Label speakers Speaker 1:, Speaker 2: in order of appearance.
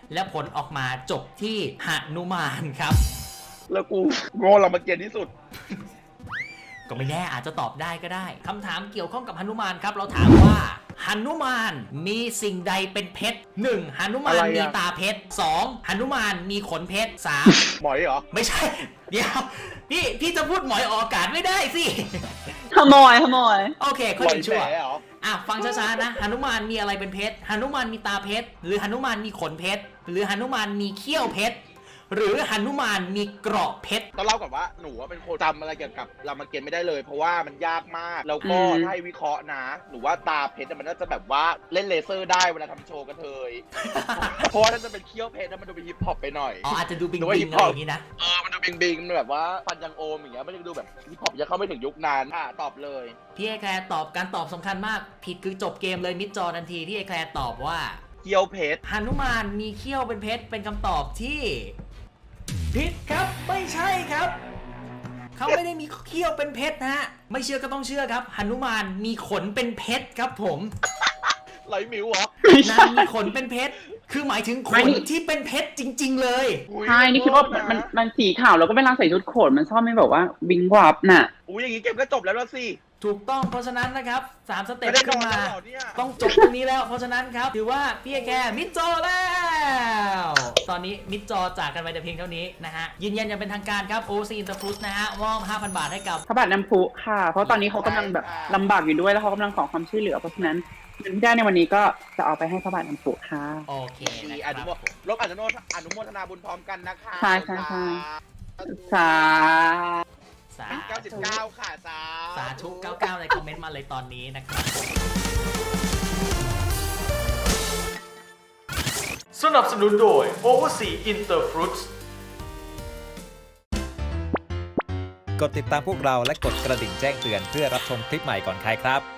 Speaker 1: และผลออกมาจบที่หนุมานครับ
Speaker 2: แล้วกูโง่เรามาเกียนที่สุด
Speaker 1: ก็ไม่แน่อาจจะตอบได้ก็ได้คำถามเกี่ยวข้องกับหนุมานครับเราถามว่าหนุมานมีสิ่งใดเป็นเพชร 1. หนุมานมีตาเพชร 2. หนุมานมีขนเพชร 3.
Speaker 2: หมอยเหรอ
Speaker 1: ไม่ใช่เดี๋ยวพี่จะพูดหมอยออกอากาศไม่ได้สิ
Speaker 3: ขโมย
Speaker 1: โอเคข้อหนึ่งชั่วฟังช้าๆนะหนุมานมีอะไรเป็นเพชรหนุมานมีตาเพชรหรือหนุมานมีขนเพชรหรือหนุมานมีเขี้ยวเพชรหรือหนุมานมีเกราะเพชร
Speaker 2: ต้องเล่าก่อนว่าหนูเป็นคนจำอะไรเกี่ยวกับรามเกียรติ์ไม่ได้เลยเพราะว่ามันยากมากแล้วก็ให้วิเคราะห์นะหนูว่าตาเพชรมันน่าจะแบบว่าเล่นเลเซอร์ได้เวลาทำโชว์กันเลยเพราะว่าน่าจะเป็นเขี้ยวเพชรแล้วมันดูเป็นฮิปฮอปไปหน่อย
Speaker 1: อาจจะดูบิงบิงอะไรอย่างนี้นะ
Speaker 2: มันดูบิงมันแบบว่าฟันยังโอมอย่างเงี้ยมันจะดูแบบฮิปฮอปยังเข้าไม่ถึงยุคนั้นตอบเลย
Speaker 1: พี่ไอแคร์ตอบการตอบสำคัญมากผิดคือจบเกมเลยมิดจอทันทีที่ไอแคร์ตอบว่า
Speaker 2: เขี้ยวเพชร
Speaker 1: หนุมานมีเขี้ยวเป็นเพชรเป็นคำตอบที่ผิดครับไม่ใช่ครับเขาไม่ได้มีเขี้ยวเป็นเพชรนะฮะไม่เชื่อก็ต้องเชื่อครับหนุมานมีขนเป็นเพชรครับผม
Speaker 2: ไหลมิวเหร
Speaker 1: อนางมีขนเป็นเพชรคือหมายถึงขนที่เป็นเพชรจริงๆเลย
Speaker 3: ใช่นี่คิดว่ามันสีขาวแล้วก็เวลาใส่ชุดโขนมันชอบไม่แบบว่าวิงวับน่ะ
Speaker 2: อย่างนี้เกมก็จบแล้วสิ
Speaker 1: ถูกต้องเพราะฉะนั้นนะครับ3สเต็ปขึ้นมาต้องจบตรงนี้แล้วเพราะฉะนั้นครับถือว่าพี่แกมิดจอแล้วตอนนี้มิดจอจากกันไปแต่เพียงเท่านี้นะฮะยืนยันอย่างเป็นทางการครับ OC Interfruit นะฮะมอบ 5,000 บาทให้กับ
Speaker 3: พระบาทน้ำพุค่ะเพราะตอนนี้เขากำลังแบบลำบากอยู่ด้วยแล้วเขากำลังขอความช่วยเหลือเพราะฉะนั้นเงินที่ได้ในวันนี้ก็จะเอาไปให้พระบาทน้ำพุค่ะ
Speaker 1: โอเค
Speaker 2: นะครับอนุโมทนาบุญพร้อมกันนะคะ
Speaker 3: ใช่
Speaker 2: สา99ค่ะ
Speaker 1: สาธุ99ในคอมเมนต์มาเลยตอนนี้นะครับ
Speaker 4: สนับสนุนโดย Oversea Interfruits
Speaker 5: กดติดตามพวกเราและกดกระดิ่งแจ้งเตือนเพื่อรับชมคลิปใหม่ก่อนใครครับ